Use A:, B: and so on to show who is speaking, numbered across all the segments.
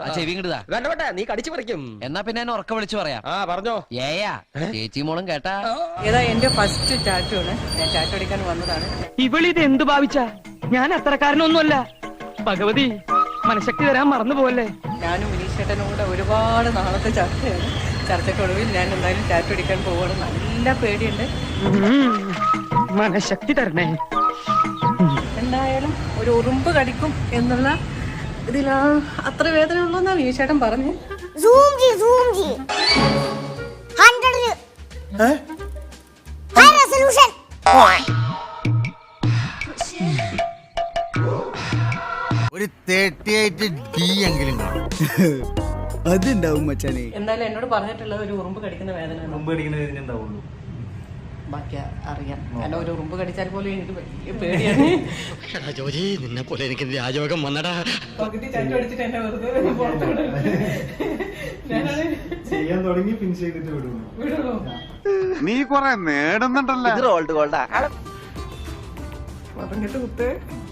A: ചെവി ഇങ്ങടാ.
B: വേണ്ട നീ കടിച്ചു പറിക്കും.
A: എന്നാ പിന്നെ എന്നെ ഉറക്ക വിളിച്ചു പറയാം.
B: പറഞ്ഞോ.
A: ഏയാ ചേച്ചി മോളും കേട്ടാ.
C: ഏതാ എന്റെ ഫസ്റ്റ് ടാറ്റു ആണ്. ഞാൻ ടാറ്റു അടിക്കാൻ വന്നതാണ്.
D: ഇവളിത് എന്ത് ഭാവിച്ചാ? ഞാൻ അത്രക്കാരനൊന്നുമല്ല. ഭഗവതി മനഃശക്തി തരാൻ മറന്നു പോവല്ലേ.
C: ഞാനും വിനീഷേട്ടനും കൂടെ ഒരുപാട് നാളത്തെ ചർച്ചയാണ്. ചർച്ചയ്ക്കൊടുവിൽ ഞാൻ എന്തായാലും ടാറ്റു അടിക്കാൻ പോവാണ്. നല്ല പേടിയുണ്ട്.
D: മനഃശക്തി തരണേ.
C: എന്തായാലും ഒരു ഉറുമ്പ് കടിക്കും എന്നുള്ള ഇതിലാ അത്ര വേദന ഉള്ളൂന്നാ വിനീഷേട്ടൻ പറഞ്ഞു.
E: ഒരു 38D എങ്കിലും കാണും.
F: അതുണ്ടാവും മച്ചാനെ.
C: എന്തായാലും എന്നോട് പറഞ്ഞിട്ടുള്ളത് ഒരു ഉറുമ്പ് കടിക്കുന്ന വേദന ബാക്കി അറിയാം. കാരണം ഒരു ഉറുമ്പ് കടിച്ചാൽ പോലും എനിക്ക് വലിയ പേടിയാണ്.
E: നിന്നെ പോലെ എനിക്ക് രാജയോഗം വന്നടാ.
C: പകുതി ടാറ്റു അടിച്ചിട്ട് എന്നെ വെറുതെ പുറത്ത്
G: ചെയ്യാൻ തുടങ്ങി പിൻ ചെയ്തിട്ട് വിടുള്ളൂ.
H: നീ കൊറേ നേടുന്നുണ്ടല്ലോ.
B: ഓൾഡ് ഗോൾഡാ.
C: പറഞ്ഞിട്ട് കുത്ത്.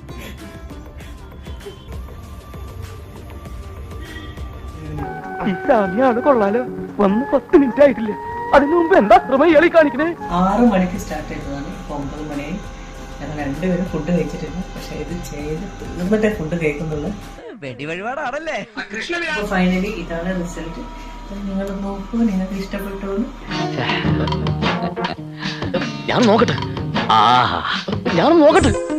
D: അത് കൊള്ളാലോ. വന്ന് 10 മിനിറ്റ് ആയിട്ടില്ല. അതിനു മുമ്പ് എന്താ ഇയാളി കാണിക്കണേ?
C: 6 മണിക്ക് സ്റ്റാർട്ട് ചെയ്തതാണ്. ഇപ്പൊ 9 മണിയായി. ഞങ്ങൾ രണ്ടുപേരും ഫുഡ് കഴിച്ചിട്ടില്ല. പക്ഷെ ഇത് ചെയ്ത് തീർന്നിട്ടേ ഫുഡ് കഴിക്കുന്നുള്ളൂ.
A: വെടി വഴിപാടാണല്ലേ.
C: ഫൈനലി ഇതാണ് റിസൾട്ട്. നിങ്ങൾ നോക്കൂ, നിങ്ങൾക്ക് ഇഷ്ടപ്പെട്ടു.
D: ഞാൻ നോക്കട്ടെ.